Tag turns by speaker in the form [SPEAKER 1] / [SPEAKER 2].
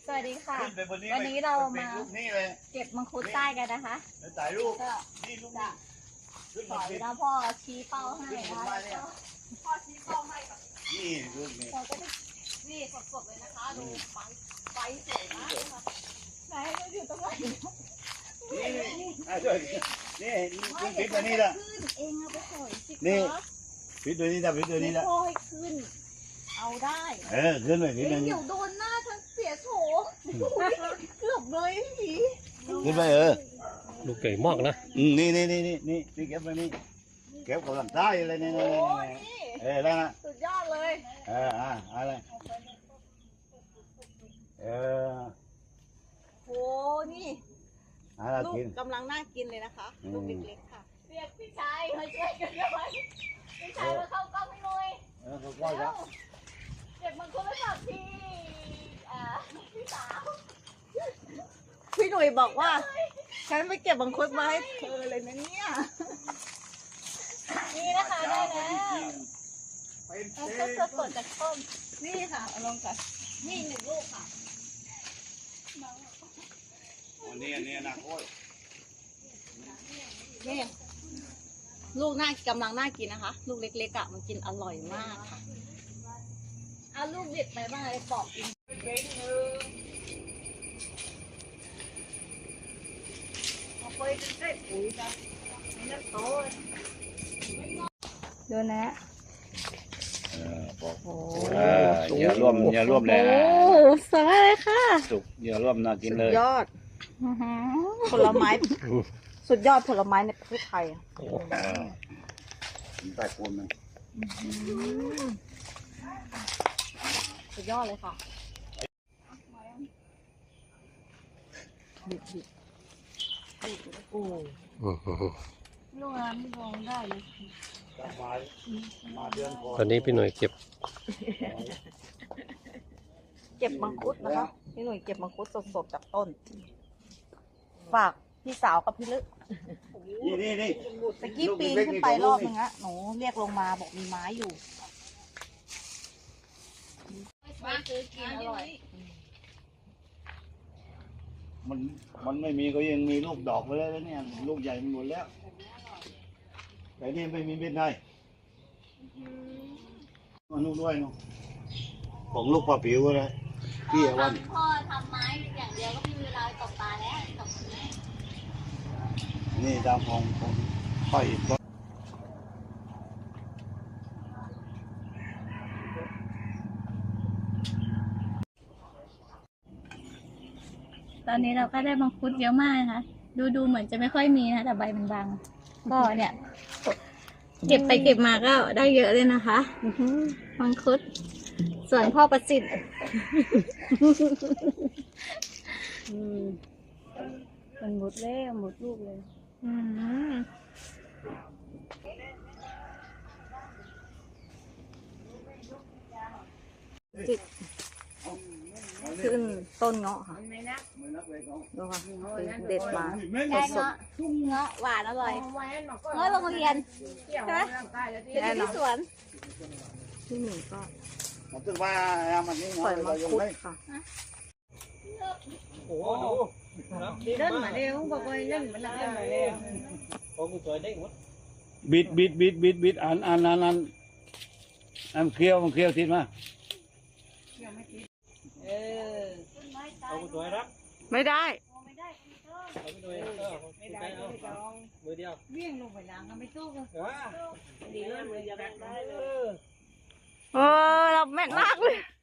[SPEAKER 1] สวัสดีค่ะ
[SPEAKER 2] ขึ้นไปบนนี้
[SPEAKER 1] วันนี้เรามา
[SPEAKER 2] นี่เลย
[SPEAKER 1] เก็บมังคุดใต้กันนะคะ
[SPEAKER 2] แล้วถ่ายรูป
[SPEAKER 1] ก็
[SPEAKER 2] นี่ลูก
[SPEAKER 1] จะ
[SPEAKER 2] ขึ้น
[SPEAKER 1] ส
[SPEAKER 2] มา
[SPEAKER 1] อย
[SPEAKER 2] สิ
[SPEAKER 1] แล้วพ่อชี้เป้าให้นะคะ พ่อชี้เป้าให้แบบ
[SPEAKER 2] นี่ลูกนี่
[SPEAKER 1] เราก็จะนี่สดๆเลยนะคะดูไฟสวยมากเลยค่ะไหนเราอยู่ตรงไหน
[SPEAKER 2] นี่ช่วยนี่ปิดตัวนี้ละ
[SPEAKER 1] ขึ้นเองเอาไปสอยสิ
[SPEAKER 2] นี่
[SPEAKER 1] คะ
[SPEAKER 2] ปิดตัวนี้ละปิดตัวนี้ละ
[SPEAKER 1] พ่อให้ขึ้น เอาได้
[SPEAKER 2] ขึ้นไปปิด
[SPEAKER 1] เฮ้ย
[SPEAKER 2] ตัวนี้
[SPEAKER 1] เดี๋ยวโดนหน้าฉันเสียโฉมเกือบเลยพี่
[SPEAKER 2] ขึ้นไป
[SPEAKER 3] ลูกใหญ่มากนะ
[SPEAKER 2] นี่เก็บไปนี่เก็บกับลำไส้อะไรนี่
[SPEAKER 1] โอ้นี่
[SPEAKER 2] แล้วนะ
[SPEAKER 1] สุดยอดเลย
[SPEAKER 2] อะไร
[SPEAKER 1] โอ้นี่ ลูก
[SPEAKER 2] กิน
[SPEAKER 1] กำลังน่ากินเลยนะคะ ลูกเล็กๆค่ะเรียกพี่ชายมาช่วยกันด้วยพี่ชายมาเข้ากล้องให้หน่อย
[SPEAKER 2] เขาก็จะ
[SPEAKER 1] เก็บมังคุดไปฝากพี่พี่สาว
[SPEAKER 4] พี่หนุ่ยบอกว่า ฉันไปเก็บมังคุดมาให้เธอเลยนะเนี่ย
[SPEAKER 1] นี่นะคะได้แล้ว
[SPEAKER 2] เป็น
[SPEAKER 1] มังคุดสดๆจากต้นนี่ค่ะเอาลงก่อนนี่1 ลูกค่ะ
[SPEAKER 2] นี่นะโอ้ย
[SPEAKER 4] นี่ลูกกำลังน่ากินนะคะ ลูกเล็กๆอ่ะมันกินอร่อยมากค่ะ
[SPEAKER 1] เอาลูกเด็ดไปบ้างเลยปอกกินเอาไปใส่ปุ๋ยกันนี่โตดูนะ
[SPEAKER 2] อย่าร่วมเลย
[SPEAKER 1] โอ้สวยเลยค่ะ
[SPEAKER 2] สุกอย่าร่วมน่ากินเลย
[SPEAKER 4] ยอดผลไม้ สุดยอดผลไม้ในประเทศไทยอะ
[SPEAKER 2] ใต้ปูนมัน
[SPEAKER 4] สุดยอดเลยค่ะโอ้
[SPEAKER 1] ลูกนั้นลงได้เลย
[SPEAKER 2] มาเดือนก่อน
[SPEAKER 3] ตอนนี้พี่หน่วยเก็บ
[SPEAKER 4] เก็บมังคุดนะคะพี่หนุ่ยเก็บมังคุดสดๆจากต้น ฝากพี่สาวกับพี่ลึก
[SPEAKER 2] นี่
[SPEAKER 4] ตะกี้ปีนขึ้นไปรอบนึงอะหนูเรียกลงมาบอกมีไม้อยู่
[SPEAKER 1] มาซื้อกินอร่อย
[SPEAKER 2] มันไม่มีก็ยังมีลูกดอกไปแล้วเนี่ยลูกใหญ่มันหมดแล้วแต่นี่ไม่มีเป็นไรมันนู่นด้วยเนาะของลูกปลาผิวอะไรพี่วัน
[SPEAKER 1] พ่อทำไม้อย่างเดียวก็มีเวลาตกปลาแล้วตกไม้
[SPEAKER 2] นี่ตามของค่อย
[SPEAKER 1] ตอนนี้เราก็ได้มังคุดเยอะมากนะคะดูเหมือนจะไม่ค่อยมีนะแต่ใบมันบางก็เนี่ยเก็บไปเก็บมาก็ได้เยอะเลยนะคะมังคุดส่วนพ่อประสิทธิ์
[SPEAKER 4] มันหมดแล้วหมดลูกเลย
[SPEAKER 1] อืม
[SPEAKER 4] ขึ้นต้นเงาะค่ะดูค่ะเด็ดมา
[SPEAKER 1] แกงเงาะเงาะหวานอร่อยเงาะโรงเรียนใช่ไหมเห็นที่สวน
[SPEAKER 4] ที่หนึ่งก็
[SPEAKER 2] มันถึงว่ามันนี่
[SPEAKER 4] ปล่อยมังคุดค่ะ
[SPEAKER 3] โอ้โห
[SPEAKER 4] เดินมาเร็วบอกว่าเดินมาเร็ว
[SPEAKER 3] โอ้กูสวยได้หมด
[SPEAKER 2] บิดอันเคี้ยวมันเคี้ยวทิศมา
[SPEAKER 3] เอากูสวยรับ
[SPEAKER 4] ไม่ได้
[SPEAKER 3] เอาไปด้วยไม่ได้มือเดียว
[SPEAKER 4] เวี่ยงลงไปล้างไม่ตู้กัน
[SPEAKER 3] ดีเลยมือเดียวได้เลย
[SPEAKER 4] เออเราแม่นมากเลย